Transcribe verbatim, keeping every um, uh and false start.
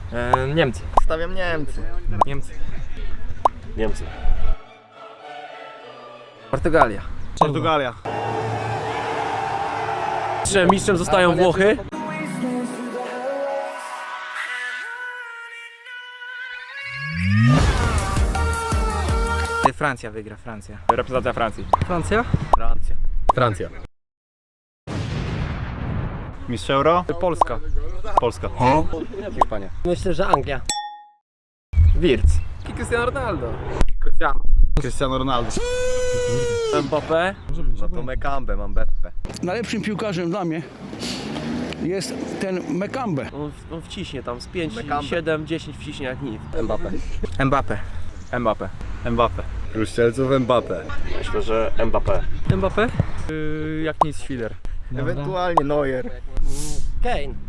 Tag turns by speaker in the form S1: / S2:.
S1: E, Niemcy.
S2: Stawiam Niemcy.
S1: Niemcy.
S2: Niemcy.
S1: Portugalia.
S3: Portugalia.
S1: Mistrzem, mistrzem zostają Włochy.
S4: Francja wygra, Francja.
S1: Reprezentacja Francji.
S4: Francja?
S2: Francja.
S3: Francja. Mistrz Euro?
S1: Polska.
S3: Polska.
S2: Hiszpania.
S4: Myślę, że Anglia.
S1: Wirtz. I Cristiano Ronaldo. Cristiano.
S3: Cristiano Ronaldo.
S1: Mbappé.
S2: No to Mekambe, mam Beppe.
S5: Najlepszym piłkarzem dla mnie jest ten Mekambe.
S6: On, on wciśnie tam z pięć,
S2: Mekambe.
S6: siedem, dziesięć wciśnie jak nic.
S2: Mbappe.
S4: Mbappé.
S1: Mbappé.
S3: Mbappe.
S2: Strzelców Mbappe.
S6: Myślę, że Mbappé.
S1: Mbappé? Yy, jak nic Schiller.
S2: Ewentualnie Neuer.
S4: Kane.